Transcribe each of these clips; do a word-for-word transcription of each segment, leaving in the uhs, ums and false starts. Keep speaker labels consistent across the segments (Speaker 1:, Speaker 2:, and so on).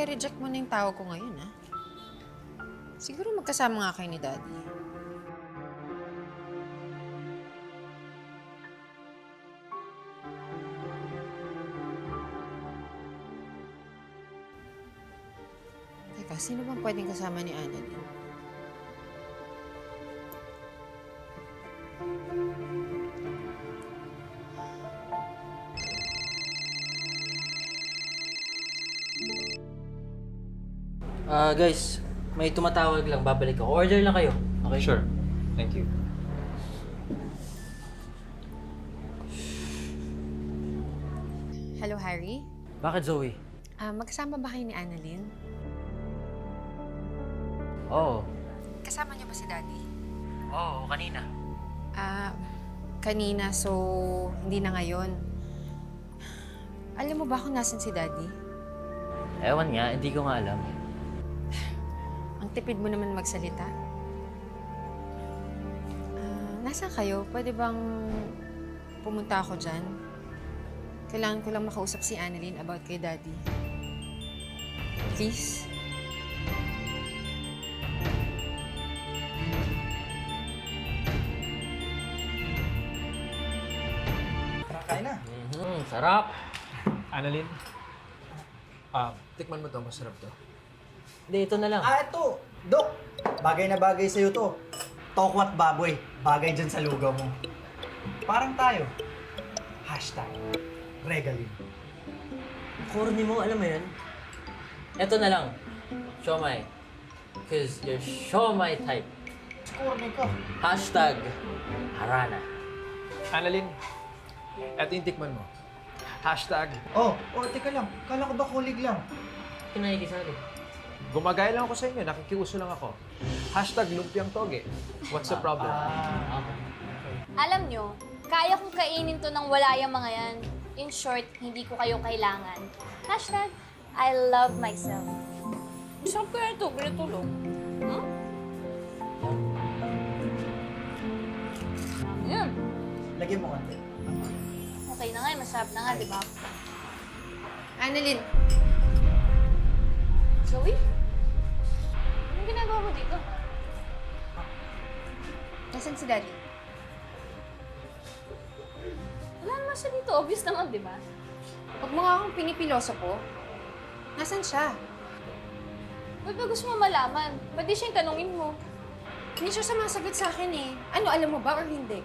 Speaker 1: i-reject mo na yung tawag ko ngayon, ha? Siguro magkasama nga kayo ni Daddy. Teka, sino bang pwedeng kasama ni Annalyn?
Speaker 2: Ah, guys, may tumatawag lang. Babalik ako. Order lang kayo. Okay?
Speaker 3: Sure. Thank you.
Speaker 1: Hello, Harry?
Speaker 2: Bakit, Zoe?
Speaker 1: Ah, magkasama ba kayo ni Annalyn?
Speaker 2: Oo.
Speaker 1: Kasama niyo ba si Daddy?
Speaker 2: Oo, kanina.
Speaker 1: Ah, kanina, so hindi na ngayon. Alam mo ba kung nasan si Daddy?
Speaker 2: Ewan nga, hindi ko nga alam.
Speaker 1: Ang tipid mo naman magsalita. Ah, nasaan kayo? Pwede bang pumunta ako dyan? Kailangan ko lang makausap si Annalyn about kay Daddy. Please?
Speaker 4: Kain na.
Speaker 2: Mhm, sarap.
Speaker 3: Annalyn? Ah, tikman mo to. Masarap to.
Speaker 2: Hindi, ito na lang.
Speaker 4: Ah, ito. Dok, bagay na bagay sa'yo to. Tokwat baboy. Bagay dyan sa lugaw mo. Parang tayo. Hashtag. Regalin.
Speaker 2: Corny mo, alam mo yun? Ito na lang. Siomay. Cause you're siomay type.
Speaker 4: Corny ka.
Speaker 2: Hashtag Harana.
Speaker 3: Annalyn, eto yung tikman mo. Hashtag,
Speaker 4: Oh, oh, teka lang. Kala ko ba kulig lang?
Speaker 2: Kinakikisali.
Speaker 3: gumagaya lang ako sa inyo. Nakikiuso lang ako. Hashtag lumpiang toge. What's the problem?
Speaker 2: Ah, okay.
Speaker 5: Alam nyo, kaya kong kainin to ng wala yung mga yan. In short, hindi ko kayo kailangan. Hashtag, I love myself. Saan kaya ito? Binatulog. Hmm? Yan.
Speaker 4: Lagyan mo konti.
Speaker 5: Okay na nga, masarap na nga, di ba?
Speaker 1: Annalyn,
Speaker 5: Zoe? Anong ginagawa mo dito?
Speaker 1: nasan si Daddy?
Speaker 5: Wala naman siya dito. Obvious naman, di ba?
Speaker 1: Huwag mo nga akong pinipiloso po. Nasaan siya?
Speaker 5: Ba't ba gusto mo malaman? Ba't di siya yung tanungin mo?
Speaker 1: Hindi siya sumasagot sa akin eh. Ano, alam mo ba or hindi?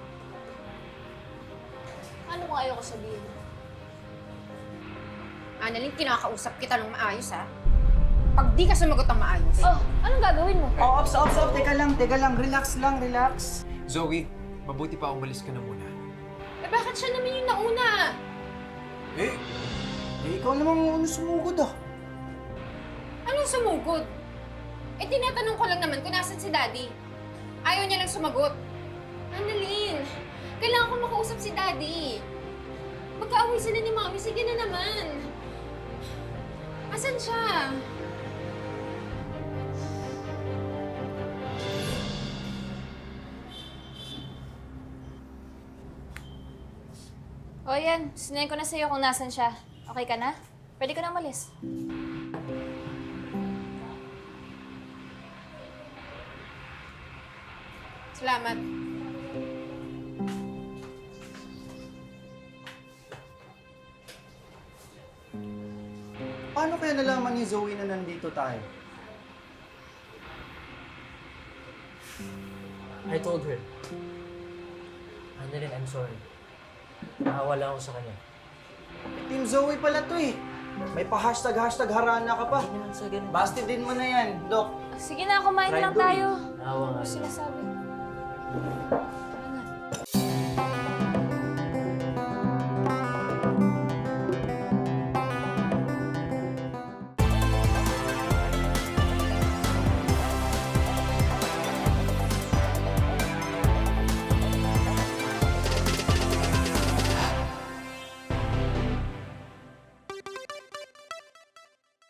Speaker 5: Ano kung ayaw ko sabihin?
Speaker 1: Annalyn, kinakausap kita ng maayos ha. Pag di ka sumagot ng maayos.
Speaker 5: Oh, anong gagawin mo?
Speaker 4: Oh, ops, ops, ops. Teka lang, teka lang. Relax lang, relax.
Speaker 3: Zoe, mabuti pa umalis ka na muna.
Speaker 1: Eh bakit siya naman yung nauna?
Speaker 4: Eh, eh ikaw namang ano sumugod ah.
Speaker 1: Anong sumugod? Eh tinatanong ko lang naman kung nasan si Daddy. Ayaw niya lang sumagot. Annalyn, kailangan ko makausap si Daddy. Magkaaway sila ni Mami, sige na naman. Asan siya?
Speaker 5: O yan, sinayin ko na sa'yo kung nasan siya. Okay ka na? Pwede ka na umalis.
Speaker 1: Salamat.
Speaker 4: Paano kaya nalaman ni Zoe na nandito tayo?
Speaker 2: I told her. Annalyn, I'm sorry. Nakawala ako sa kanya.
Speaker 4: Team Zoe pala to eh. May pa-hashtag hashtag harana ka pa.
Speaker 2: Hindi naman sa ganun.
Speaker 4: Basti din mo na yan, Dok.
Speaker 5: Sige na, kumain na
Speaker 4: Try
Speaker 5: lang
Speaker 4: doing.
Speaker 5: tayo.
Speaker 2: Naawa nga
Speaker 5: Ano
Speaker 2: niya.
Speaker 5: sila sabi? Tara na.